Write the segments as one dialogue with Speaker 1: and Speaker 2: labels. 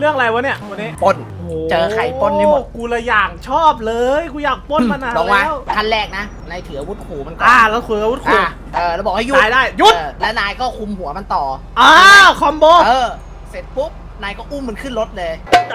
Speaker 1: เรื่องอะไรวะเนี่ยวันนี้
Speaker 2: ปล้นเจอไข่ปล้นนี่หมด
Speaker 1: กูละอย่างชอบเลยกูอยากปล้นมานานแล้ว
Speaker 2: ขั้นแรกนะนายถืออาวุธขู่มันก่อน
Speaker 1: แล้วถืออาวุธขู่
Speaker 2: แล้วบอกให้หยุด
Speaker 1: ได้หยุด
Speaker 2: แล้วนายก็คุมหัวมันต่อ
Speaker 1: คอมโบ
Speaker 2: เสร็จปุ๊บนายก็อุ้มมันขึ้นรถเลย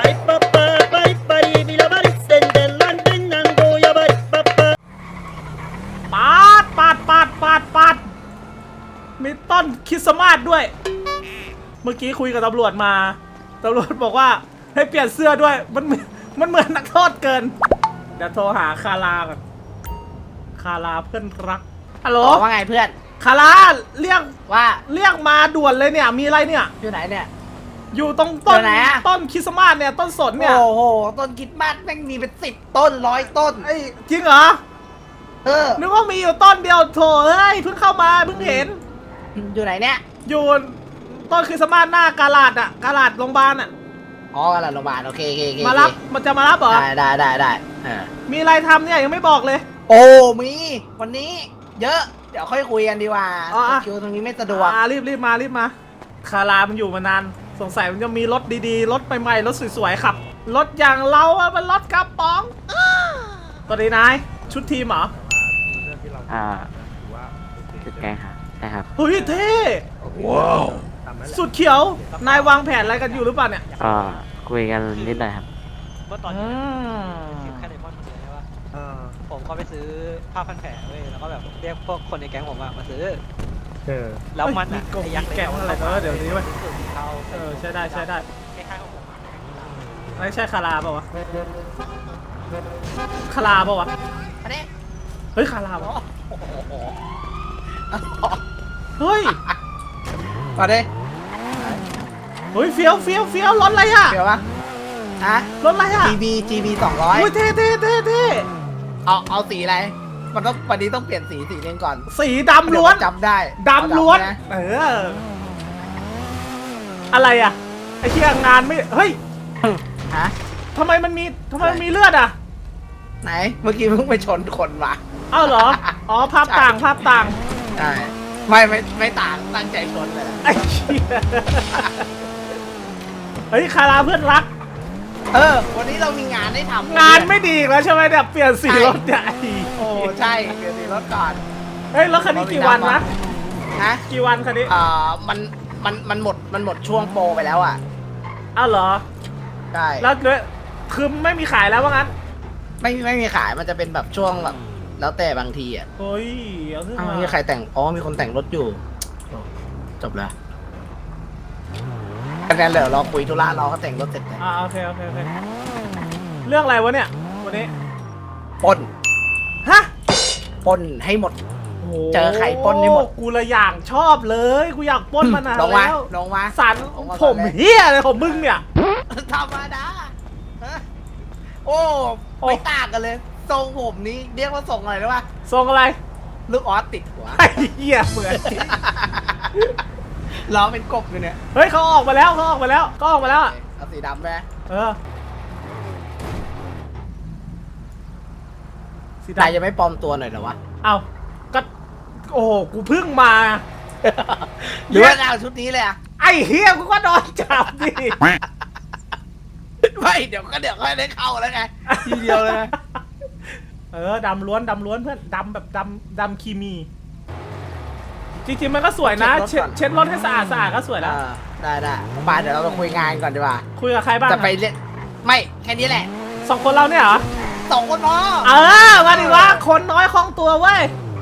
Speaker 1: ปาดมีต้นคริสต์มาสด้วยเมื่อกี้คุยกับตำรวจมาตำรวจบอกว่าให้เปลี่ยนเสื้อด้วยมันเหมือนนักโทษเกินเดี๋ยวโทรหาคาราก่อนคาราเพื่อนรักฮัลโหล
Speaker 2: ว่าไงเพื่อน
Speaker 1: คาราเรียกมาด่วนเลยเนี่ยมีอะไรเนี่ย
Speaker 2: อยู่ไหนเนี่ย
Speaker 1: อยู่ตรงต้นคริสต์มาสเนี่ยต้นสนเนี่ย
Speaker 2: โอ้โหต้นคริสต์มาสแม่งมีเป็น10 ต้น100 ต้น
Speaker 1: จริงเหรอนึกว่ามีอยู่ต้นเดียวโถเฮ้ยเพิ่งเข้ามาเพิ่งเห็น
Speaker 2: อยู่ไหนเนี่ย
Speaker 1: อยู่ต้นคริสต์มาสหน้ากาลาดกาลาดโรงพยาบาล
Speaker 2: กาลาดโรงพยาบาลโอเค
Speaker 1: มารับมันจะมารับเหรอ
Speaker 2: ได้
Speaker 1: มีอะไรทำเนี่ยยังไม่บอกเลย
Speaker 2: โอ้มีวันนี้เยอะเดี๋ยวค่อยคุยกันดีกว่าคิวตรงนี้ไม่สะดวก
Speaker 1: รีบมาคารามันอยู่มานานสงสัยมันจะมีรถดีๆรถใหม่ๆรถสวยๆขับรถอย่างเราอะมันรถกระป๋องตอนนี้นายชุดทีมเหรอ
Speaker 3: ชุดแกงครับใช่ครับ
Speaker 1: เฮ้ยเท่ว้าวสุดเขียวนายวางแผนอะไรกันอยู่หรือเปล่าเนี่ย
Speaker 3: คุยกันนิดหน่อยครับ
Speaker 4: เมื่อตอนนี้แค่ในพ่อคนเดียวใช่ปะผมก็ไปซื้อผ้าพันแผลเว้ยแล้วก็แบบเรียกพวกคนในแก๊งผมมาซื้อแล้วมันอ่ะ
Speaker 1: ไอ้ยักษ์แก๊งอะไรเดี๋ยวนี้เว้ยใช่ได้
Speaker 4: คล้ายๆของผม
Speaker 1: ไม่ใช่คาราเปล่าวะคาราเปล่าวะเฮ้ยคาราเปล่าเฮ้ย
Speaker 2: มาดิ
Speaker 1: เฮ้ยเฟี้ยวรถอะไรอ่ะ
Speaker 2: เฟี้ยวปะ
Speaker 1: รถอะไรอ่ะ
Speaker 2: GB 200
Speaker 1: อุ้ยเท่
Speaker 2: เอาสีอะไรมันต้องวันนี้ต้องเปลี่ยนสีนึงก่อน
Speaker 1: สีดำล้วน
Speaker 2: จำได้
Speaker 1: ดำล้วนอะไรอ่ะไอ้เชี่ยงานไม่เฮ้ยทำไมมันมีเลือดอ่ะ
Speaker 2: ไหนเมื่อกี้เพิ่งไปชนคนมา
Speaker 1: อ้าวเหรอภาพต่าง
Speaker 2: ใช่ไม่ต่างตั้งใจชนเลย
Speaker 1: ไอ้เชี่ยเฮ้ยคาราเพื่อนรัก
Speaker 2: วันนี้เรามีงานให้ทำ
Speaker 1: งานไม่ดีแล้วใช่ไหมเนี่ยเปลี่ยนสีรถใหญ่
Speaker 2: โอ้ใช่เปลี่ยนสีรถก่อน
Speaker 1: เฮ้ยรถคันนี้กี่วันนะกี่วันคันนี้
Speaker 2: มันหมดช่วงโปรไปแล้วอ่ะ
Speaker 1: อ้าวเหรอ
Speaker 2: ใช่
Speaker 1: แล้วคือไม่มีขายแล้วว่างั้น
Speaker 2: ไม่มีขายมันจะเป็นแบบช่วงแบบแล้วแต่บางทีอ่ะ
Speaker 1: เฮ้ย
Speaker 2: มีใครแต่งมีคนแต่งรถอยู่จบแล้วคะแนนเหลือเราคุยธุระเราก็แต่งรถเสร็จแล้ว
Speaker 1: โอเคเรื่องอะไรวะเนี่ยวันนี้
Speaker 2: ปล้นปล้นให้หมดเจอไข่ปล้นให้หมด
Speaker 1: กูละอย่างชอบเลยกูอยากปล้นมานานแล้ว
Speaker 2: ลงมา
Speaker 1: สันผมเฮียอะไรของมึงเนี่ย
Speaker 2: ธรรมดาโอ้ไม่ต่างกันเลยทรงผมนี้เรียกว่าทรงอะไรรู้ป่ะ
Speaker 1: ทรงอะไร
Speaker 2: ลูกออสติดหัว
Speaker 1: ไอ้เหี้ยเหมือน
Speaker 2: ล้อเป็นกบอยู่เนี่ย
Speaker 1: เฮ้ยเขาออกมาแล้วเอา
Speaker 2: สีดำไหม
Speaker 1: สี
Speaker 2: ดำจะไม่ปลอมตัวหน่อยเหรอวะ
Speaker 1: ก็โอ้กูเพิ่งมา
Speaker 2: หรือว่าเอาชุดนี้เลยอะ
Speaker 1: ไอ้เหี้ยกูก็โดนจับดิ
Speaker 2: ไม่เดี๋ยวค่อยได้เข้าแล้วไงทีเดียวเลย
Speaker 1: ดำล้วนเพื่อนดำแบบดำคีมีจริงๆมันก็สวยนะเช็ดรถให้สะอาดก็สวยแล้ว
Speaker 2: ได้ไปเดี๋ยวเราไปคุยงานก่อนดีกว่า
Speaker 1: คุยกับใครบ้าง
Speaker 2: จะไปเล่นไม่แค่นี้แหละ
Speaker 1: 2 คนเราเนี่ยเหรอ
Speaker 2: 2 คนพอ
Speaker 1: มาดิวะคนน้อยคล่องตัวเว้ย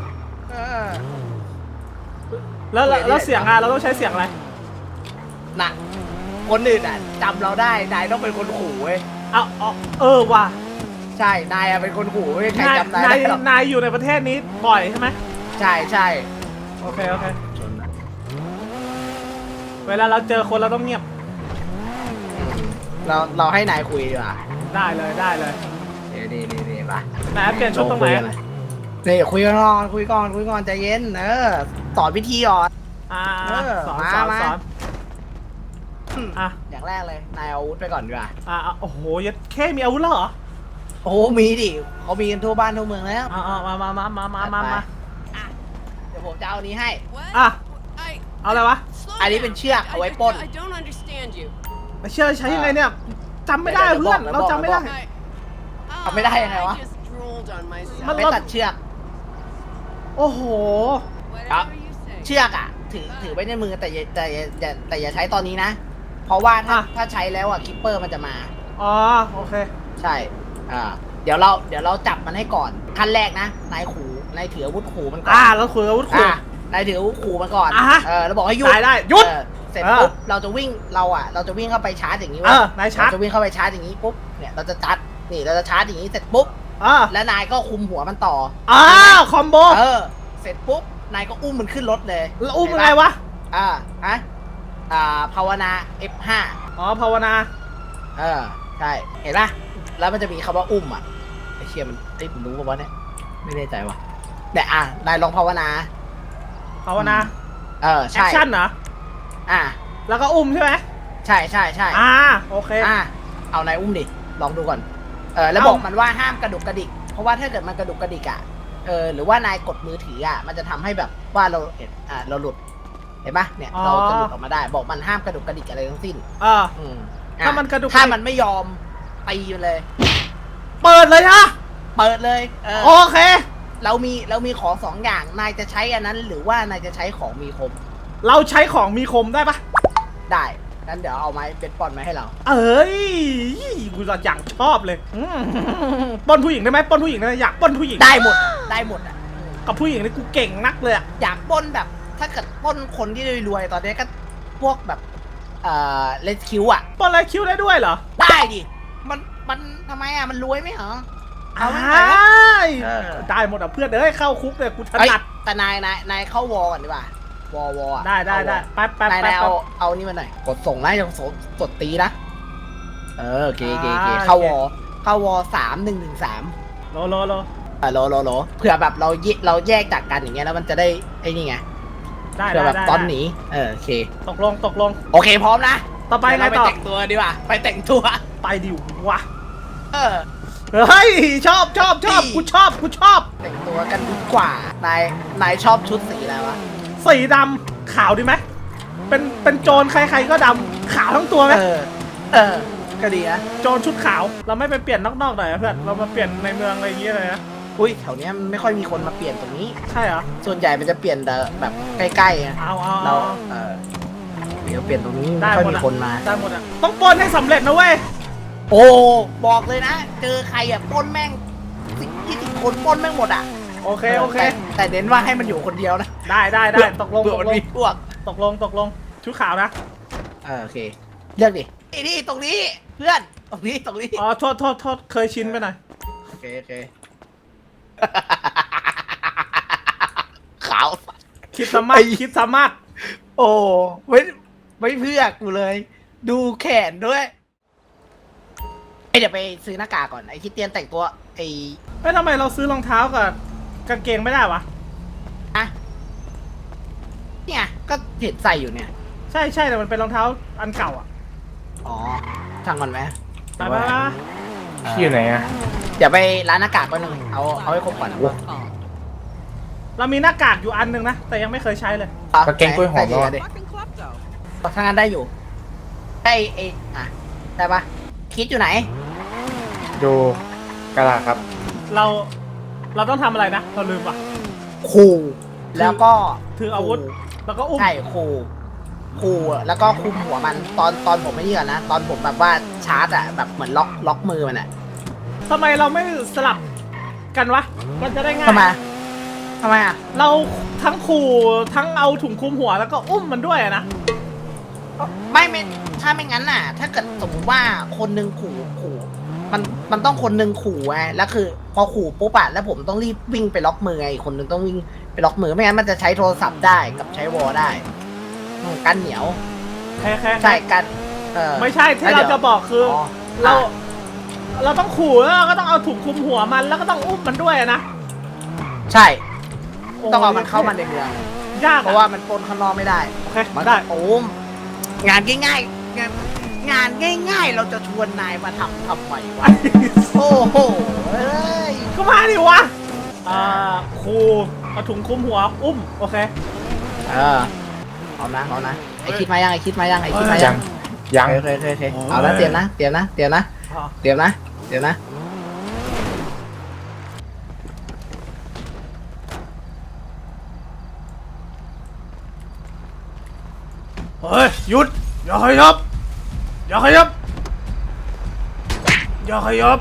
Speaker 1: แล้วเสียงเราต้องใช้เสียงอะไร
Speaker 2: น่ะคนอื่นจำเราได้นายต้องเป็นคนขู่เว้ย
Speaker 1: ว่ะ
Speaker 2: ใช่นายเป็นคนขู่ใครจำได้
Speaker 1: นายอยู่ในประเทศนี้บ่อยใช่ไหม
Speaker 2: ใช่
Speaker 1: โอเคเวลาเราเจอคนเราต้องเงียบ
Speaker 2: เราให้นายคุยดีกว่า
Speaker 1: ได้เลย
Speaker 2: ดีป่ะ
Speaker 1: นายเปลี่ยนชุดตรงไหน
Speaker 2: นี่คุยก่อนใจเย็นสอนวิธีก่อน
Speaker 1: สอน
Speaker 2: อย่างแรกเลยนายเอาอาวุธไปก่อนดีกว่า
Speaker 1: โอ้โหแค่มีอาวุธแล้วเหรอ
Speaker 2: โอ้มีดิเขามีกันทั่วบ้านทั่วเมืองแล้ว
Speaker 1: มา
Speaker 2: เดี๋ยวผมจะเอานี้ให้
Speaker 1: เอาอะไรวะ
Speaker 2: อันนี้เป็นเชือกเอาไว้ปล้น
Speaker 1: เชื่อใช้ยังไงเนี่ยจำไม่ได้เพื่อนเราจำไม่ได้
Speaker 2: ทำไม่ได้ยังไงวะ
Speaker 1: มัน
Speaker 2: ไปตัดเชือก
Speaker 1: โอ้โห
Speaker 2: ครับเชือกอ่ะถือไว้ในมือแต่อย่าใช้ตอนนี้นะ เพราะว่าถ้าใช้แล้วอ่ะคิปเปอร์มันจะมา
Speaker 1: อ๋อโอเค
Speaker 2: ใช่เดี๋ยวเราจับมันให้ก่อนขั้นแรกนะนายถืออาวุธขู่มันก่อน
Speaker 1: แล้วคุยอาวุธขู่
Speaker 2: นายถืออาวุธขู่มันก่อน
Speaker 1: ฮะ
Speaker 2: แล้วบอกให้หยุด
Speaker 1: ได้หยุด
Speaker 2: เสร็จปุ๊บเราจะวิ่งเข้าไปชาร์จอย่างนี้
Speaker 1: นายชาร์จ
Speaker 2: เราจะวิ่งเข้าไปชาร์จอย่างนี้ปุ๊บเนี่ยเราจะชาร์จอย่างนี้เสร็จปุ๊บ แล้วนายก็คุมหัวมันต่อ
Speaker 1: คอมโบ
Speaker 2: เสร็จปุ๊บนายก็อุ้มมันขึ้นรถเลย
Speaker 1: แล้วอุ้มยังไงวะ
Speaker 2: ภาวนา F5
Speaker 1: ภาวนา
Speaker 2: ใช่เห็นปะแล้วมันจะมีคำว่าอุ้มอ่ะไอเชียมันผมรู้ป่าวะเนี่ยไม่แน่ใจว่ะแต่นายลองภาวนา
Speaker 1: ภาวนา
Speaker 2: แอ
Speaker 1: แอคชั่นเหรอ
Speaker 2: แล้ว
Speaker 1: ก็อุ้มใช่ไหม
Speaker 2: ใช่
Speaker 1: โอเค
Speaker 2: เอานายอุ้มดิลองดูก่อนแล้วบอกมันว่าห้ามกระดุกกระดิกเพราะว่าถ้าเกิดมันกระดุกกระดิกอ่ะหรือว่านายกดมือถืออ่ะมันจะทำให้แบบว่าเราหลุดเห็นปะเนี่ยเราจะหลุดออกมาได้บอกมันห้ามกระดุกกระดิกอะไรทั้งสิ้น
Speaker 1: ถ้ามันกระดุก
Speaker 2: ถ้ามันไม่ยอมตีมันเลย
Speaker 1: เปิดเลยฮะ
Speaker 2: เปิดเลย
Speaker 1: โอเค
Speaker 2: เรามีของสองอย่างนายจะใช้อันนั้น หรือว่านายจะใช้ของมีคม
Speaker 1: เราใช้ของมีคมได้ปะ
Speaker 2: ได้งั้นเดี๋ยวเอาไม้เป็นปอนมาให้เรา
Speaker 1: เอ้ยกูอยากชอบเลยปล้นผู้หญิงได้ไหมปล้นผู้หญิงได้ไหมอยากปล้นผู้หญิง
Speaker 2: ได้หมดอ่ะ
Speaker 1: กับผู้หญิงนี่กูเก่งนักเลยอะ
Speaker 2: อยากปล้นแบบถ้าเกิดปล้นคนที่รวยๆตอนนี้ก็พวกแบบเลสคิวอ่ะ
Speaker 1: ปล้นอะไรคิวได้ด้วยเหรอ
Speaker 2: ได้ดิมันทำไมอ่ะมันรวยไหมเหรอเอาไม่ได้
Speaker 1: ได้หมดอ่ะเพื่อนเอ้ยเข้าคุกเลยกูถนัด
Speaker 2: แต่นายเข้าวอก่อนดีกว่าวอ
Speaker 1: ได้แป๊บ
Speaker 2: นายเอานี่มาหน่อยกดส่งนะยังกดตีนะโอเคเข้าวอ3113
Speaker 1: โล
Speaker 2: โลเผื่อแบบเราแยกจากกันอย่างเงี้ยแล้วมันจะได้ไอ้นี่ไง
Speaker 1: ได้
Speaker 2: เผื่อแบบตอนหนีโอเค
Speaker 1: ตกลง
Speaker 2: โอเคพร้อมนะ
Speaker 1: ต่อไปไงต่อ
Speaker 2: ไปแต่งตัวดีกว่าไปแต่งตัว
Speaker 1: ไปดิวะเฮ้ยชอบกูชอบ
Speaker 2: แต่งตัวกันดีกว่านายชอบชุดสีอะไรวะ
Speaker 1: สีดำขาวดีไหมเป็นโจรใครๆก็ดำขาวทั้งตัวไหม
Speaker 2: ก็ดีนะ
Speaker 1: โจรชุดขาวเราไม่ไปเปลี่ยนนอกๆหน่อยเพื่อนเรามาเปลี่ยนในเมืองอะไรอย่างเงี้ยเลยนะ
Speaker 2: อุ้ยแถวนี้ไม่ค่อยมีคนมาเปลี่ยนตรงนี้
Speaker 1: ใช่เหรอ
Speaker 2: ส่วนใหญ่มันจะเปลี่ยนแต่แบบใกล้ๆเราเดี๋ยวเปลี่ยนตรงนี้ไม่ค่อยมีคนมา
Speaker 1: ได้หมดอ่ะต้องปล้นให้สำเร็จนะเว้ย
Speaker 2: โอ้บอกเลยนะเจอใครอ่ะปล้นแม่ง10-20 คนปล้นแม่งหมดอ่ะ
Speaker 1: โอเค
Speaker 2: แต่เน้นว่าให้มันอยู่คนเดียวนะ
Speaker 1: ได้ตกลงตกลงชุดขาวนะ
Speaker 2: โอเคเลือกดินี่ตรงนี้เพื่อนตรงนี้
Speaker 1: โทษเคยชินไปหน่อย
Speaker 2: โอเคขาว
Speaker 1: คิดสามารถ
Speaker 2: โอ้ไม่เพื่อกูเลยดูแขนด้วยเดี๋ยวไปซื้อหน้ากากก่อนไอ้คิดเตียนแต่งตัว
Speaker 1: ทำไมเราซื้อรองเท้ากับกางเกงไม่ได้วะ
Speaker 2: เนี่ยก็เห็นใส่อยู่เนี่ย
Speaker 1: ใช่แต่มันเป็นรองเท้าอันเก่าอ่ะ
Speaker 2: ช่างมันไหม
Speaker 1: ไป
Speaker 5: ที่อยู่ไหนอ่ะ
Speaker 2: เดี๋ยวไปร้านหน้ากากก่อนหนึ่งเอาให้ครบก่อน
Speaker 1: เรามีหน้ากากอยู่อันหนึ่งนะแต่ยังไม่เคยใช้เลย
Speaker 5: กางเกงกล้วยหอมแล้ว
Speaker 2: ถ้างั้นได้อยู่ได้ปะคิดอยู่ไหน
Speaker 5: ดูกระดาษครับ
Speaker 1: เราต้องทำอะไรนะเราลืมว่ะ
Speaker 2: ขู่แล้วก็
Speaker 1: ถืออาวุธแล้วก็อุ้ม
Speaker 2: ใช่ขู่แล้วก็คุมหัวมันตอนผมไม่เยื่อนะตอนผมแบบว่าชาร์จอ่ะแบบเหมือนล็อกมือมันอ่ะ
Speaker 1: ทำไมเราไม่สลับกันวะมันจะได้ง่าย
Speaker 2: ทำไมอ่ะ
Speaker 1: เราทั้งขู่ทั้งเอาถุงคลุมหัวแล้วก็อุ้มมันด้วยนะ
Speaker 2: ไม่ถ้าไม่งั้นน่ะถ้าเกิดสมมติว่าคนนึงขู่มันต้องคนนึงขู่ไงแล้วคือพอขู่ปุ๊บอะแล้วผมต้องรีบวิ่งไปล็อกมือไงคนนึงต้องวิ่งไปล็อกมือไม่งั้นมันจะใช้โทรศัพท์ได้กับใช้วอลได้กันเหนียวใช่กัน
Speaker 1: ไม่ใช่ที่เราจะบอกคือเราต้องขู่แล้วก็ต้องเอาถุงคลุมหัวมันแล้วก็ต้องอุ้มมันด้วยนะ
Speaker 2: ใช่ต้องเอามันเข้ามาในเมือง
Speaker 1: ยาก
Speaker 2: เพราะว่ามันปนข้างนอกไม่ได้
Speaker 1: โอเคมาได้
Speaker 2: โอ้งานง่ายงานง่ายเราจะชวนนายมาทำไมวะโอ้โห
Speaker 1: ก็มาดิวะครูเอาถุงคลุมหัวอุ้มโอเค
Speaker 2: เอานะไอคิดมายัง
Speaker 5: ยัง
Speaker 2: โอเคเอาละเตรียมนะเตรียมนะ
Speaker 1: อ๋อ
Speaker 2: เตรียมนะ
Speaker 1: เฮ้ยหยุดอย่าขยับอย่าขยับอย่าขยับ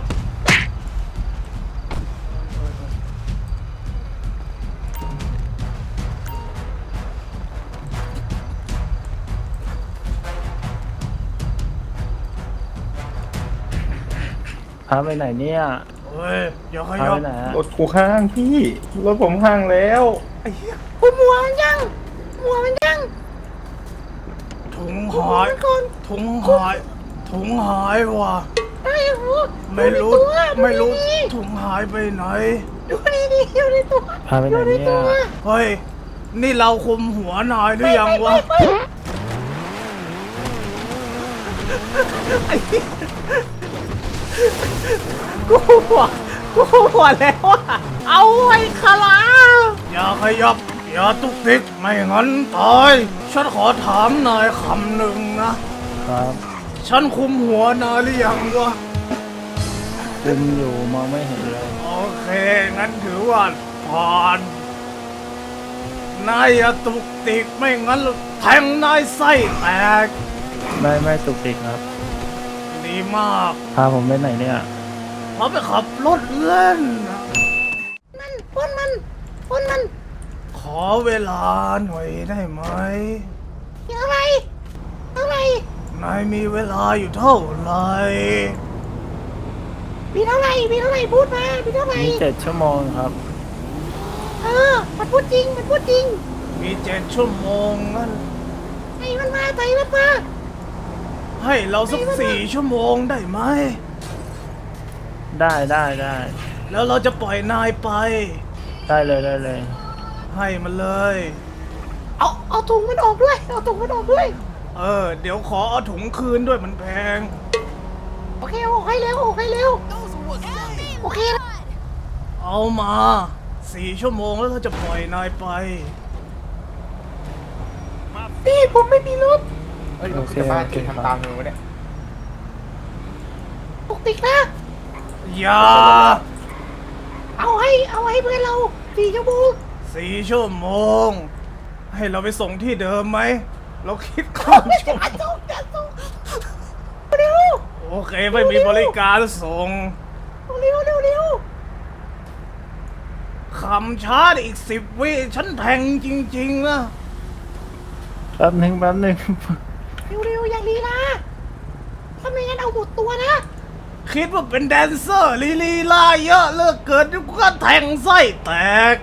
Speaker 6: พาไปไหนเนี่ย
Speaker 1: เฮ้ยอย่าข
Speaker 6: พา
Speaker 1: ยั
Speaker 6: ไป
Speaker 1: บ
Speaker 6: ไหนอะ
Speaker 5: รถกูห้างพี่รถผมห้างแล้ว
Speaker 1: ไอ้เหี้ย
Speaker 2: คุณหัวมันยัง
Speaker 1: ถุงหายถุงหายถุงหายว่ะ
Speaker 2: ได้เหรอ
Speaker 1: ไม่รู้ไม่รู้ถุงหายไปไหน
Speaker 2: ดูดีอยู่ในตัว
Speaker 6: พาไปไหนเนี่ย
Speaker 1: เฮ้ยนี่เราคุมหัวนายหรือยังวะไอ้เหี้ยกูหัวแล้วอะเอาไอ้คาราอย่าขยับอย่าตุกติกไม่งั้นตายฉันขอถามนายคำหนึ่งนะครับ ฉันคุมหัวนายหรือยังวะ
Speaker 6: คุมอยู่มองไม่เห็นเลย
Speaker 1: โอเค งั้นถือว่าผ่านนายอย่าตุกติกไม่งั้นแทงนายไส้แตก
Speaker 6: ไม่ตุกติกครับ
Speaker 1: ดีมาก
Speaker 6: พาผมไปไหนเนี่ย
Speaker 1: เพราะไปขับรถเล่นนะ
Speaker 2: พ่นมัน
Speaker 1: ขอเวลาหน่อยได้ไหม
Speaker 2: อะไร
Speaker 1: นายมีเวลาอยู่เท่าไหร่
Speaker 2: มีเท่าไหร่พูดมามีเท่าไหร่
Speaker 6: มี7 ชั่วโมงครับ
Speaker 2: มันพูดจริง
Speaker 1: มี7 ชั่วโมงงั้น
Speaker 2: ไอ้มันมา
Speaker 1: ให้เราสัก4 ชั่วโมงได้ไหม
Speaker 6: ได้
Speaker 1: แล้วเราจะปล่อยนายไป
Speaker 6: ได้เลย
Speaker 1: ให้มันเลย
Speaker 2: เอาถุงมันออกด้วย
Speaker 1: เดี๋ยวขอเอาถุงคืนด้วยมันแพง
Speaker 2: โอเคออกให้เร็วโอเคแล้ว
Speaker 1: เอามา4 ชั่วโมงแล้วเราจะปล่อยนายไป
Speaker 2: พี่ผมไม่มีรถ
Speaker 5: เฮ้ยรถกูจะบ้าจริงทำตามมึงวะเนี่ย
Speaker 2: ปกตินะ
Speaker 1: อย่า
Speaker 2: เอาให้เพื่อนเรา4 ชั่วโมง
Speaker 1: 4 ชั่วโมง ให้เราไปส่งที่เดิมไหม เราคิดก่อนชั่วโมง
Speaker 2: เร็ว
Speaker 1: โอเคไม่มีบริการส่ง
Speaker 2: เร็ว
Speaker 1: คำช้าอีก10 วิฉันแทงจริงๆนะ
Speaker 6: แป๊บหนึ่ง
Speaker 2: เร็วอย่างลีลาถ้าไม่งั้นเอาหมดตัวนะ
Speaker 1: คิดว่าเป็นแดนเซอร์ลีลาเยอะเลิกเกินกูก็แทงไส้แตก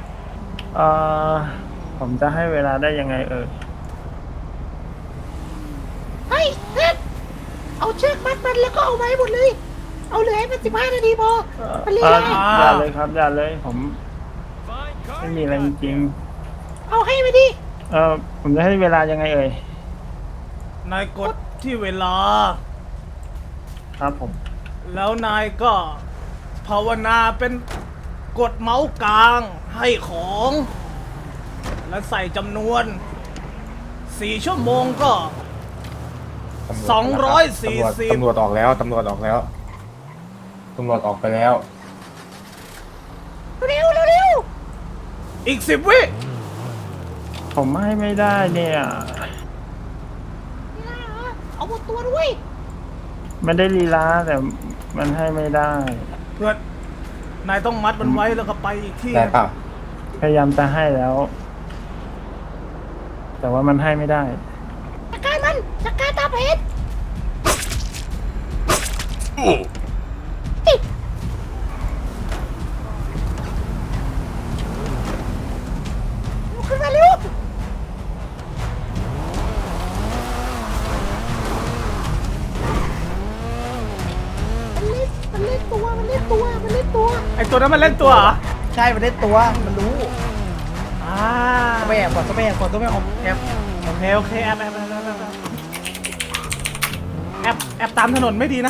Speaker 6: ผมจะให้เวลาได้ยังไงเอ่ย
Speaker 2: เฮ้ยเฮ็ดเอาเชือกมัดมันแล้วก็เอาไว้หมดเลย เอาเหลือให้มัน15 นาทีพอมันลีลา
Speaker 6: อย่าเลยครับอย่าเลยผมไม่มีอะไรจริง
Speaker 2: เอาให้ไปดิ
Speaker 6: ๆผมจะให้เวลายังไงเอ่ย
Speaker 1: นายกดที่เวลา
Speaker 6: ครับผม
Speaker 1: แล้วนายก็ภาวนาเป็นกดเมาส์กลางให้ของ และใส่จำนวน 4 ชั่วโมงก็ 240
Speaker 5: ตำรวจออกแล้วตำรวจออกไปแล้ว
Speaker 2: เร็ว
Speaker 1: อีก 10 วิ
Speaker 6: ผมให้ไม่ได้เนี่ย
Speaker 2: ลีลาเหรอเอาหมดตัวด้วย
Speaker 6: ไม่ได้ลีลาแต่มันให้ไม่ได้
Speaker 1: เพื่อนนายต้องมัดมันไว้แล้วก็ไปอีกที่
Speaker 5: ได้เปล่า
Speaker 6: พยายามจะให้แล้ว แต่ว่ามันให้ไม่ได้
Speaker 2: จัดการตาเพชรขึ้นมาเร็วมันเล่นตัว
Speaker 1: ไอตัวนั้นมันเล่นตัวเหรอ
Speaker 2: ใช่มันเล่นตัว มันรู้
Speaker 1: อ่า
Speaker 2: ต้องไปแอบก่อนต้องไปแอบแอบ
Speaker 1: โอเคแอบตามถนนไม่ดีนะ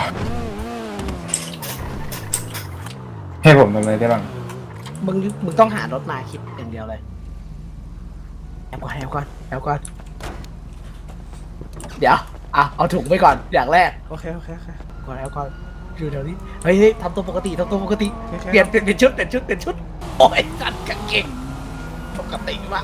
Speaker 5: ให้ผมทำอะไรได้บ้าง
Speaker 2: มึงต้องหารถมาคิดอย่างเดียวเลยแอบก่อนเดี๋ยวอ่ะเอาถุงไปก่อนอย่างแรก
Speaker 1: โอเคโอเคโอเค
Speaker 2: ก่อนแล้วก็อยู่แถวนี้เฮ้ยทำตัวปกติทำตัวปกติ
Speaker 1: โอเค
Speaker 2: เปลี่ยนชุดโอ้ยจัดกางเกงปกติมาก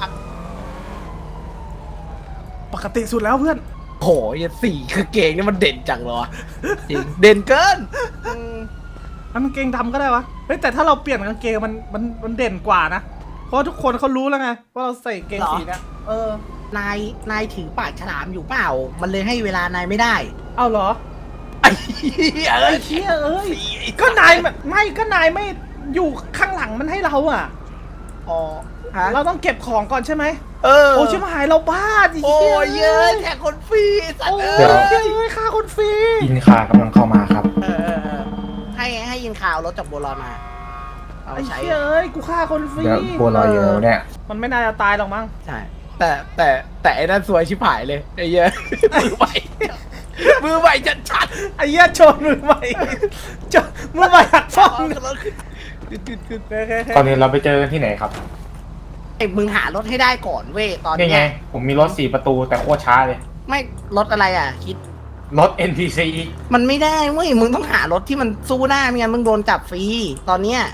Speaker 1: ปกติสุดแล้วเพื่อน
Speaker 2: โหยสีกางเกงนี่มันเด่นจังเลยวะจริงเด่นเกิน
Speaker 1: มันกางเกงดำก็ได้วะเฮ้ยแต่ถ้าเราเปลี่ยนกางเกงมันเด่นกว่านะเพราะทุกคนเขารู้แล้วไงว่าเราใส่เกงสีเนี้ย
Speaker 2: นายถือปากฉลามอยู่เปล่า มันเลยให้เวลานายไม่ได้
Speaker 1: เอาเหรอ
Speaker 2: ไอ้เหี้ย
Speaker 1: ไอ้เชี่ยเอ้ยก็นายไม่อยู่ข้างหลังมันให้เราอ่ะ
Speaker 2: อ๋อฮะ
Speaker 1: เราต้องเก็บของก่อนใช่ไหม
Speaker 2: เออ
Speaker 1: โอ้ชิบหายเราบ้าดิ
Speaker 2: โอ้ยเยอะแจกคนฟรีสัต
Speaker 1: โอ้
Speaker 2: ว์
Speaker 1: ย
Speaker 2: เอ้ย
Speaker 1: เฮ้ยค่าคนฟรี
Speaker 5: อินคากำลังเข้ามาครับ
Speaker 2: ให้ยิงข่าวรถจากโบราณมาเอา
Speaker 1: ไอ้
Speaker 2: ใช้
Speaker 1: เชี่ยเอ้ยกูฆ่าคนฟรี
Speaker 5: เดี๋ยวบัวลอยอยู่แล้วเนี่ย
Speaker 1: มันไม่น่าจะตายหรอกมั้ง
Speaker 2: ใช่แต่ไอ้นั่นสวยชิบหายเลยไอ้เหี้ยมือใหม่มือใหม่ชัด
Speaker 1: ไอ้เหี้ยโจรมือใหม่โจรมือใหม่หัก
Speaker 2: ๆ
Speaker 1: ฟ้อง
Speaker 2: รถขึ้น
Speaker 5: ตอนนี้เราไปเจอกันที่ไหนครับ
Speaker 2: ไอ้มึงหารถให้ได้ก่อนเว้ยตอน
Speaker 5: นี่ไง
Speaker 2: เนี้ย
Speaker 5: ผมมีรถ4 ประตูแต่โคตรช้าเลย
Speaker 2: ไม่รถอะไรอ่ะ คิด
Speaker 5: รถ NPC
Speaker 2: มันไม่ได้เว้ยมึงต้องหารถที่มันสู้ได้ไม่งั้นมึงโดนจับฟรีตอนเนี้ย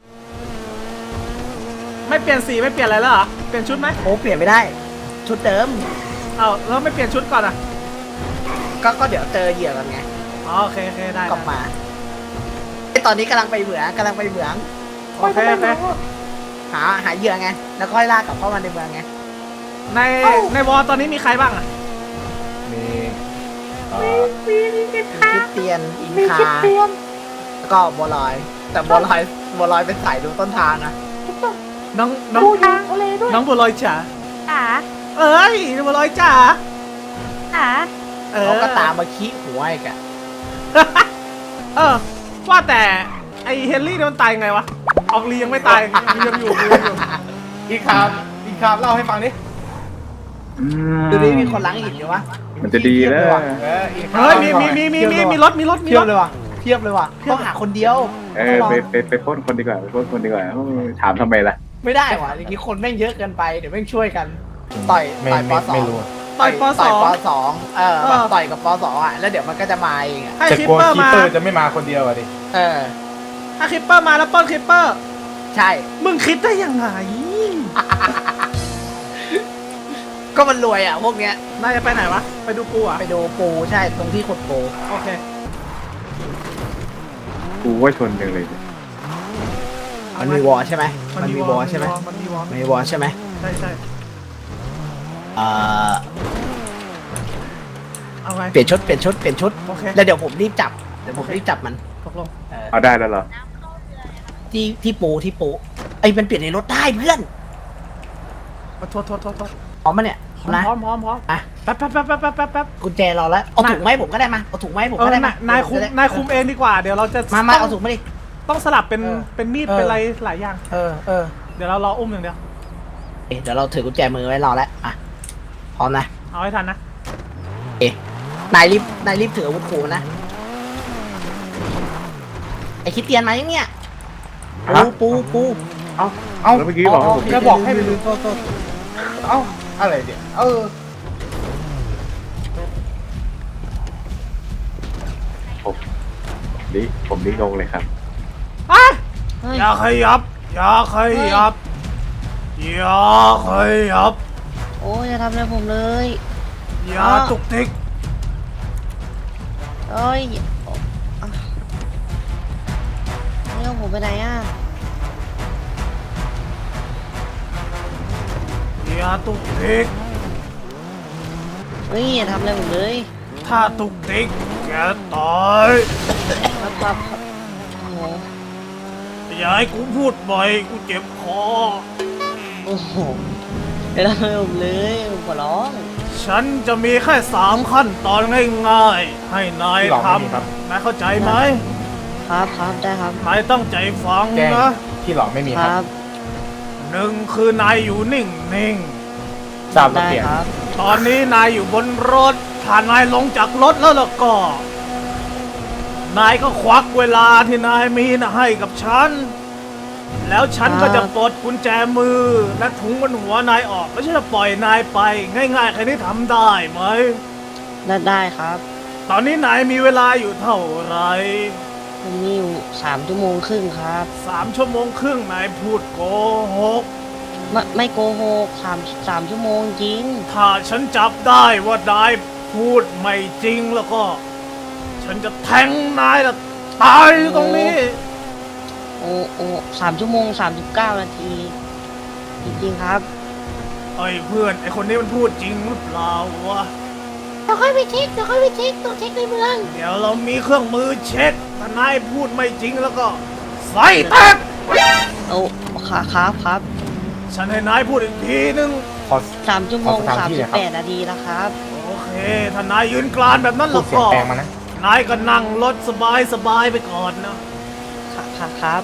Speaker 1: ไม่เปลี่ยนสีไม่เปลี่ยนอะไรแล้วเหรอเปลี่ยนชุดไหม
Speaker 2: โอ้เปลี่ยนไม่ได้ ชุดเดิม
Speaker 1: เอาแล้วไม่เปลี่ยนชุดก่อนอ่ะ
Speaker 2: ก็เดี๋ยวเจอเหยื่อกันไง
Speaker 1: อ๋อโอเคโอเคได้
Speaker 2: กลับมาไอ้ตอนนี้กำลังไปเหมือง
Speaker 1: โอเคโอเค
Speaker 2: หาเหยื่อไงแล้วค่อยลากกลับเข้ามาในเมืองไง
Speaker 1: ในวอลตอนนี้มีใครบ้างอ่ะ
Speaker 5: มี
Speaker 2: คริสเตียนอินคาแล้วก็บัวลอย แต่บัวลอยเป็นสายดูต้นทางนะ
Speaker 1: น้องน้องบัวลอยจ๋า
Speaker 7: จ๋า
Speaker 1: เอ้ยบัวลอยจ๋า
Speaker 7: จ๋า
Speaker 2: เขาก็ตามมาขี้หัวอีกอะ
Speaker 1: เออว่าแต่ไอเฮนรี่เนี่ยมันตายไงวะออกลียังไม่ตายยังอยู่
Speaker 5: อีกคามเล่าให้ฟังดิ
Speaker 2: ดูดิมีคนล้างหินอยู่วะ
Speaker 6: มันจะดีแล้ว
Speaker 5: อีกคาม
Speaker 1: เฮ้ยมีรถ
Speaker 2: เทียบเลยว่ะต้องหาคนเดียว
Speaker 6: ไปปล้นคนดีกว่าไปปล้นคนดีกว่าถามทำไมล่ะ
Speaker 2: ไม่ได้ว่ะอย่างนี้คนแม่งเยอะเกินไปเดี๋ยวแม่งช่วยกัน ต่อยปสอง
Speaker 5: ไม่รู้
Speaker 1: ต่อยปส
Speaker 2: ต่
Speaker 1: อ
Speaker 2: อย
Speaker 1: ง
Speaker 2: ปสองต่อยกับปสองอ่ะแล้วเดี๋ยวมันก็จะมาเองอ่ะ
Speaker 1: ให้
Speaker 5: แต่
Speaker 1: คิป
Speaker 5: กลัว
Speaker 1: เปอร์
Speaker 5: คี
Speaker 1: มา
Speaker 5: เปอร์จะไม่มาคนเดียวอะดิ
Speaker 1: ถ้าคิปเปอร์มาแล้วปล้นคิปเปอร์
Speaker 2: ใช่
Speaker 1: มึงคิดได้ยังไง
Speaker 2: ก็มันรวยอ่ะพวกเนี้ย
Speaker 1: นายจะไปไหนวะไปดูกูอ่ะ
Speaker 2: ไปดูปูใช่ตรงที่ขุดปู
Speaker 1: โอเค
Speaker 6: กูว่าชนจังเลย
Speaker 2: มันมีวอลใช่ไหมมันมีวอลใช่ไหม
Speaker 1: มันมีวอล
Speaker 2: มีวอลใช่ไหม
Speaker 1: ใช่
Speaker 2: เอ่อ
Speaker 1: เอาไง
Speaker 2: เปลี่ยนชุด
Speaker 1: โอเค
Speaker 2: แล้วเดี๋ยวผมรีบจับมัน
Speaker 1: ตกลง
Speaker 6: เอาได้แล้วเหรอ
Speaker 2: ที่ปูไอ้ยมันเปลี่ยนในรถได้เพื่อน
Speaker 1: มาโทษ
Speaker 2: พร้อมมาเนี่ย
Speaker 1: พร้
Speaker 2: นะ
Speaker 1: อม
Speaker 2: อ่ะ
Speaker 1: แป๊บ
Speaker 2: กุญแจรอแล้วเอาถุงไมาให้ผมก็ได้มาเอาถุงไมาให้ผมก็ได้มาน
Speaker 1: ายคุมเองดีกว่าเดี๋ยวเราจะ
Speaker 2: มาเอาถุงมาดิ
Speaker 1: ต้องสลับเป็น
Speaker 2: เออ
Speaker 1: เป็นมีด
Speaker 2: เออ
Speaker 1: เป็นอะไรหลายอย่าง
Speaker 2: เออ
Speaker 1: เดี๋ยวเรารออุ้มอย่างเดียว
Speaker 2: เดี๋ยวเราถือกุญแจมือไว้รอแล้วอ่ะพร้อมนะ
Speaker 1: เอาให้ทันนะ
Speaker 2: นายรีบถืออาวุธขู่นะไอ้คิดเตียนมายังเนี่ยปู
Speaker 5: เอ้า
Speaker 6: แล้วเมื่อกี้บอกให้ผม
Speaker 5: จะบอกให้ไปดู
Speaker 2: โทษ
Speaker 5: เอ้าอะไรเดี๋ยว
Speaker 6: ผมนี่งงเลยครับ
Speaker 1: อย่าขยับ อย่าขยับ อย่าขยับ
Speaker 7: โอ้ยอย่าทำอะไรผมเลย
Speaker 1: อย่าตุกติก
Speaker 7: เอ้ยนี่เอาผมไปไหนอ่ะ
Speaker 1: อย่าตุกติก
Speaker 7: เฮ้ยอย่าทำอะไรผมเลย
Speaker 1: ถ้าตุกติกแกตาย
Speaker 7: ครับโอ้โห
Speaker 1: อย่าให้กูพูดบ่อยกูเจ็บคอ
Speaker 7: โอ้โหอย่าทำอะไรผมเลยผมขอร้อง
Speaker 1: ฉันจะมีแค่3 ขั้นตอนง่ายๆ ให้นายทำนายเข้าใจไหม
Speaker 7: ครับได้ครับ
Speaker 1: นายตั้งใจฟัง
Speaker 5: แจ้ง
Speaker 1: นะ
Speaker 5: ที่หลอกไม่มี
Speaker 7: ค
Speaker 5: ค
Speaker 7: รั
Speaker 5: รับบ
Speaker 1: 1 คือนายอยู่นิ่ง
Speaker 5: ทราบแล้ว
Speaker 7: ได้
Speaker 5: เปลี่ยน
Speaker 7: ครับ
Speaker 1: ๆ ตอนนี้นายอยู่บนรถ ถ้านายลงจากรถแล้วล่ะก็ นายก็ควักเวลาที่นายมีนะให้กับฉัน แล้วฉันก็จะปลดกุญแจมือและถุงบนหัวนายออกแล้วฉันจะปล่อยนายไป ง่ายๆแค่นี้ทำได้ไหม
Speaker 7: ได้ครับ
Speaker 1: ตอนนี้นายมีเวลาอยู่เท่าไหร่
Speaker 7: ผมมีอยู่3 ชั่วโมงครึ่งครับ
Speaker 1: 3 ชั่วโมงครึ่งนายพูดโกหก
Speaker 7: ไม่โกหก3 ชั่วโมงจริง
Speaker 1: ถ้าฉันจับได้ว่านายพูดไม่จริงแล้วก็ ฉันจะแทงนายละตายอยู่ตรงนี้
Speaker 7: โอ้3 ชั่วโมง 39 นาที จริงๆครับ
Speaker 1: ไอ้เพื่อนไอ้คนนี้มันพูดจริงหรือเปล่าวะ
Speaker 2: เดี๋ยวค่อยไปเช็คต้องเช็คในเมือง
Speaker 1: เดี๋ยวเรามีเครื่องมือเช็คถ้านายพูดไม่จริงแล้วก็ใส่แตก
Speaker 7: โอ้ครับ
Speaker 1: ฉันให้นายพูดอีกทีนึง
Speaker 5: ขอ
Speaker 7: 3 ชั่วโมง
Speaker 5: ขอสถานที่หน่อยครับ
Speaker 7: 38 นาทีแล้วครับ
Speaker 1: โอเคถ้านายยืนกรานแบบนั้น
Speaker 5: พู
Speaker 1: แล้
Speaker 5: ด
Speaker 1: ว
Speaker 5: เสียง
Speaker 1: ก็
Speaker 5: แปลงมานะ
Speaker 1: นายก็นั่งรถสบายไปก่อนนะ
Speaker 7: ครับ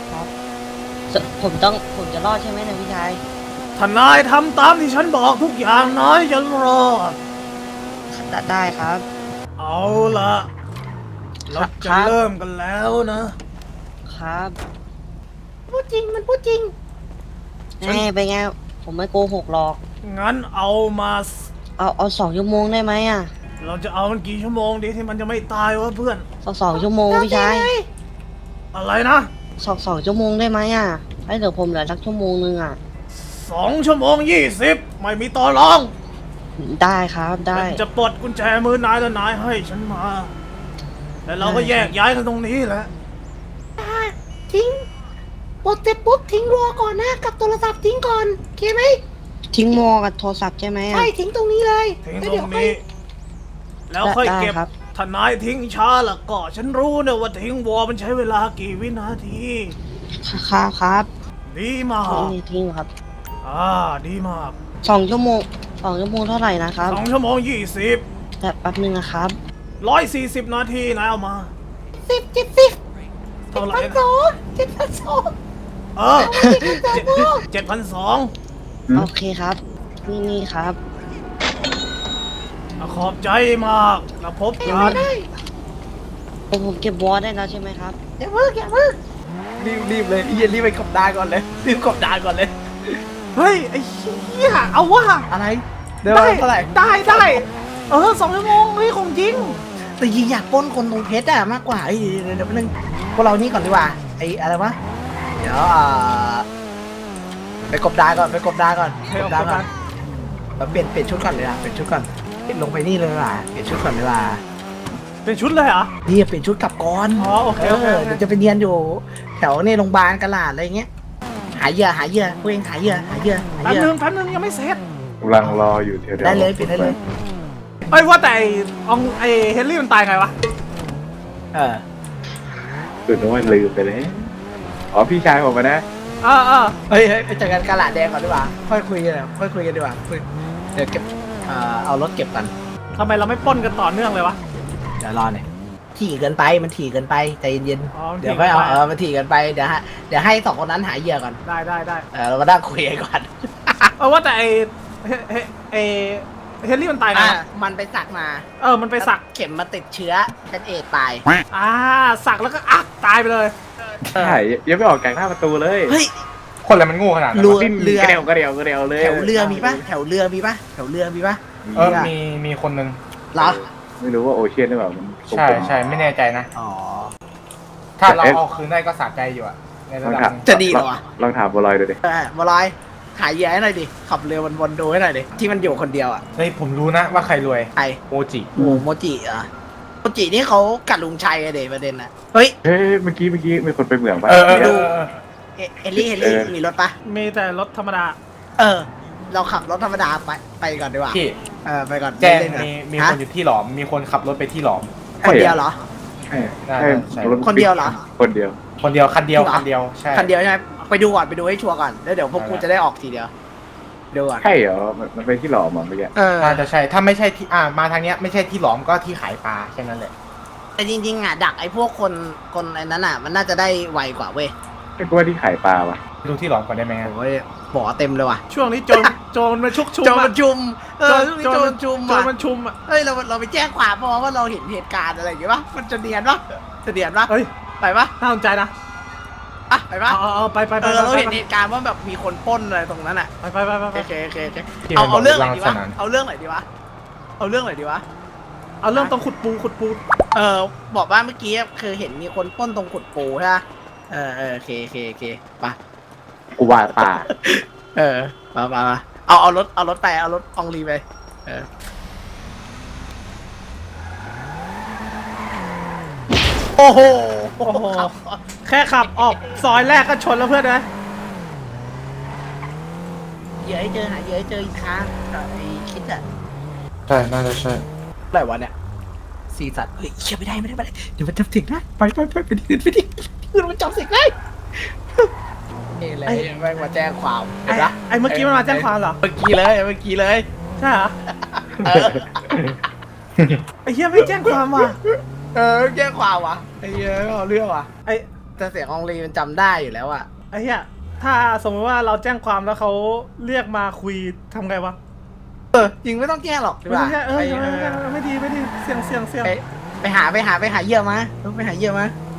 Speaker 7: ผมจะรอดใช่ไหมนะพี่ชาย
Speaker 1: ถ้านายทำตามที่ฉันบอกทุกอย่างนายจะรอด
Speaker 7: ได้ครับ
Speaker 1: เอาละเราจะเริ่มกันแล้วนะ
Speaker 7: ครับ
Speaker 2: พูดจริงมันพูดจริง
Speaker 7: แน่ไปนไงผมไม่โกหกหรอก
Speaker 1: งั้นเอามา
Speaker 7: เอา2 ชั่วโมงได้ไหมอ่ะ
Speaker 1: เราจะเอามันกี่ชั่วโมงดีที่มันจะไม่ตายวะเพื่อน
Speaker 7: 2 ชั่วโมงพี่ชาย
Speaker 1: อะไรนะ
Speaker 7: 2 ชั่วโมงได้ไหมอ่ะให้เดี๋ยวผมเหลือสักชั่วโมงนึงอ่ะ
Speaker 1: 2 ชั่วโมง 20ไม่มีต่อรอง
Speaker 7: ได้ครับได้
Speaker 1: ฉันจะปลดกุญแจมือนายแล้วนายให้ฉันมา แล้วเราก็แยกย้ายกันตรงนี้แหละ
Speaker 2: ทิ้งปลดเสร็จปุ๊บทิ้งรัวก่อนนะกับโทรศัพท์ทิ้งก่อนโอเคไหม
Speaker 7: ทิ้งมอกับโทรศัพท์ใช่ไหมอ่ะ
Speaker 2: ใช่ทิ้งตรงนี้เลย
Speaker 1: ทิ้ง
Speaker 2: แล้ว
Speaker 1: ตร
Speaker 2: เดี๋ยว
Speaker 1: ง
Speaker 2: ค่อย
Speaker 1: นี้ แล้วค่อยเก็บ
Speaker 7: ได้ครับ
Speaker 1: ถ้านายทิ้งช้าล่ะก็ฉันรู้นะว่าทิ้งวอมันใช้เวลากี่วินาที
Speaker 7: ครับ
Speaker 1: ดีมาก
Speaker 7: ทิ้งครับ
Speaker 1: ดีมาก
Speaker 7: 2 ชั่วโมง2 ชั่วโมงเท่าไหร่นะครับ
Speaker 1: 2 ชั่วโมง 20
Speaker 7: แต่แป๊บนึงนะครับ
Speaker 1: 140 นาทีนายเอามา
Speaker 2: 70
Speaker 1: เท่าไหร่
Speaker 2: 7,200
Speaker 1: เออ7,200
Speaker 7: โอเคครับ นี่ครับ
Speaker 1: ขอบใจมากแล้วพบ
Speaker 2: ยัง
Speaker 1: กั
Speaker 2: ไม่
Speaker 1: น
Speaker 2: ได้
Speaker 7: ผมเก็บวอลได้แล้วใช่ไหมครับ
Speaker 2: อย่าเพิ่งรีบเลยพี่รีบไปกบดานก่อนเลยรีบกบดานก่อนเลย
Speaker 1: เฮ้ย ไอ้เหี้ยเอาว่ะ
Speaker 2: อะไรเดี๋ยวเท่าไหร่
Speaker 1: ได้2 ชั่วโมงเฮ้ยของจริง
Speaker 2: แต่ยิงอยากปล้นคนตรงเพชรอะมากกว่าเดี๋ยวนึงพวกเรานี่ก่อนดีกว่าไอ้อะไรวะเดี๋ยวไปกบดานก่อนกบดานก่อนเปลี่ยนชุดก่อนเลยนะเปลี่ยนชุดก่อนลงไปนี่เลยว่ะเปลี่ยนชุดก่อนเลยว่ะ
Speaker 1: เป็นชุดเลยเหรอ
Speaker 2: นี่เปลี่ยนชุดกลับก่อน
Speaker 1: อ๋อโอเคโอเค
Speaker 2: เดี๋ยวจะไปเรียนอยู่ แถวในโรงพยาบาลกะลาดอะไรเงี้ยหาเหยื่อพวกเองหาเหยื่อ
Speaker 1: แป๊บนึงยังไม่เสร็จ
Speaker 5: กำลังรออยู่เดี๋ยว
Speaker 2: ได้เลยเปลี่ยนได้เลย
Speaker 1: เอ้ยว่าแต่ไอ้เฮนรี่มันตายไงวะ
Speaker 5: ตื่นว่าลืมไปเลยอ๋อพี่ชายผมนะ
Speaker 2: เฮ้ยไปเจอกันกะลาดแดงก่อนดีกว่าค่อยคุยกันดีกว่าเดี๋ยวเก็บเอารถเก็บกัน
Speaker 1: ทำไมเราไม่ปล้นกันต่อเนื่องเลยวะ
Speaker 2: เดี๋ยวรอหน่อยถี่เกินไปมันถี่เกินไปใจเย็น
Speaker 1: อ๋อมัน
Speaker 2: ๆ
Speaker 1: ถี่
Speaker 2: เดี๋ยวค่อยเอา
Speaker 1: เกินไป
Speaker 2: มันถี่เกินไปเดี๋ยวให้2 คนนั้นหาเหยื่อก่อน
Speaker 1: ได้
Speaker 2: เรามานั่งคุยกันก่อน
Speaker 1: ว่าแต่ไอ้เฮนรี่มันตายไงวะ
Speaker 2: มันไปสักมา
Speaker 1: มันไปสัก
Speaker 2: เข็มมาติดเชื้อเป็นเอดส์ตาย
Speaker 1: สักแล้วก็ตายไปเลย
Speaker 5: ใช่ยังไม่ออกจากหน้าประตูเลย
Speaker 2: เฮ้ย
Speaker 5: คนอะไรมันโง่ขนาดนั้น
Speaker 2: เรือ
Speaker 5: ดิ้น
Speaker 2: เรือ
Speaker 5: กระเดียวเลย
Speaker 2: แถวเรือมีปะแถวเรือมีปะ
Speaker 6: มีคนหนึ่ง
Speaker 2: เหรอ
Speaker 5: ไม่รู้ว่าโอเชียนหรือเปล่ามัน
Speaker 6: ใช่ไม่แน่ใจนะ
Speaker 2: อ๋อ
Speaker 6: ถ้าเราเอาคืนได้ก็สะใจอยู่อะในระดับหนึ่ง
Speaker 2: จะดีเหรอวะ
Speaker 5: ลองถามบัวลอยดูดิ
Speaker 2: บอลอยหายเหยื่อให้หน่อยดิ ขับเรือวนๆดูให้หน่อยดิ ที่มันอยู่คนเดียวอ่ะ
Speaker 6: เฮ้ยผมรู้นะว่าใครรวย
Speaker 2: ใคร
Speaker 6: โมจิ
Speaker 2: โอ้โมจิอ่ะโมจินี่เขากัดลุงชัยอะเดประเด็นน่ะ เฮ้ย
Speaker 5: เฮ้ยเมื่อกี้มีคนไปเหมืองปะ
Speaker 2: ดู เฮลลี่มีรถปะ
Speaker 1: มีแต่รถธรรมดา
Speaker 2: เราขับรถธรรมดาไปก่อนดีกว่า
Speaker 6: พี่
Speaker 2: ไปก่อน
Speaker 6: แจ้ง
Speaker 2: เล่นๆก่อน
Speaker 6: มีคนอยู่ที่หลอม มีคนขับรถไปที่หลอม
Speaker 2: คนเดียวเหรอ
Speaker 5: ใช่
Speaker 6: ใช่
Speaker 2: คนเดียวเหรอ
Speaker 5: คนเดียว
Speaker 6: คนเดียวคันเดียว
Speaker 2: จริงเหรอ
Speaker 6: คันเดียวใช่
Speaker 2: คันเดียวใช่ไหมไปดูก่อนไปดูให้ชัวร์ก่อน แล้วเดี๋ยวพวกกูจะได้ออกทีเดียวดูก่อน
Speaker 5: ใช่เหรอมันไปที่หล่อมเมื่อกี้
Speaker 6: น่าจะใช่ ถ้าไม่ใช่ที่มาทางเนี้ยไม่ใช่ที่หลอมก็ที่ขายปลาแค่นั้นแหละ
Speaker 2: แต่จริงๆอ่ะดักไอ้พวกคนไอ้นั้นอ่ะ มันน่าจะได้ไวกว่าเว้ย
Speaker 5: ไม่กลัวที่ขายปลาวะ
Speaker 6: ดูที่หลอมก่อนได้ไหมครับ
Speaker 2: โอ้ยบ่อเต็มเลยว่ะ
Speaker 1: ช่วงนี้โจรมันชุกชุม
Speaker 2: โจรมันชุมช่วงนี้โจรมันชุม
Speaker 1: โจร
Speaker 2: อ่ะ
Speaker 1: มันชุมอ่ะ
Speaker 2: เฮ้ยเราไปแจ้งความเพราะว่าเราเห็นเหตุการณ์อะไรอย่างเงี้ยปะมันจะเนียนปะจะเนียนปะ
Speaker 1: เฮ้ย
Speaker 2: ไปปะ
Speaker 1: น่าสนใจนะ
Speaker 2: อ่ะไปปะ
Speaker 1: เอาไป
Speaker 2: เราเห็นเหตุการณ์ว่าแบบมีคนปล้นอะไรตรงนั้นอ่ะ
Speaker 1: ไป
Speaker 2: โอเค
Speaker 6: ที่
Speaker 2: เอา
Speaker 6: มันบอก
Speaker 2: เรื่องไหนดี
Speaker 6: รั
Speaker 2: วะ
Speaker 6: งสนาน
Speaker 2: เอาเรื่องไหนดีวะเอาเรื่องไหนดีวะ
Speaker 1: เอาเริ่มตรงขุดปู
Speaker 2: บอกว่าเมื่อกี้คือเห็นมีคนปล้นตรงขุดปูใช่ปะโอเคไป
Speaker 3: กูว่าป่า
Speaker 2: มาเอารถอองลีไปโอ้โห
Speaker 1: โอ้โห แค่ขับออกซอยแรกก็ชนแล้วเพื่อนนะ
Speaker 2: เหยื่อให้เจอหาเหยื่อให้เจออีกครั้งไอ้คิดอะ
Speaker 5: ใช่ น่าจะใช่
Speaker 2: อะไรวะเนี่ยซีสัตว์เฮ้ยเชี่ยไม่ได้เดี๋ยวมันจำเสียงได้ไปไปที่อื่นมันจำเสียงได้นี่เลยแม่งมาแจ้งความเห็นปะ
Speaker 1: ไอ้เมื่อกี้มันมาแจ้งความเหรอ
Speaker 2: เมื่อกี้เลย
Speaker 1: ใช่เหรอ
Speaker 2: เออ
Speaker 1: ไอ้เหี้ยไม่แจ้งความว่ะ
Speaker 2: แจ้งความวะไอ้เหี้ยเอาเรื่องวะ
Speaker 1: ไอ้
Speaker 2: แต่เสียงอองลีมันจำได้อยู่แล้วอะ
Speaker 1: ไอ้เหี้ยถ้าสมมติว่าเราแจ้งความแล้วเขาเรียกมาคุยทำไงวะ
Speaker 2: จริงไม่ต้องแจ้งหรอกใช่
Speaker 1: ไม่
Speaker 2: ปะ
Speaker 1: ใช่ไม่ดีเสี่ยง
Speaker 2: ไปหาเหยื่อมาไปหาเหยื่อมา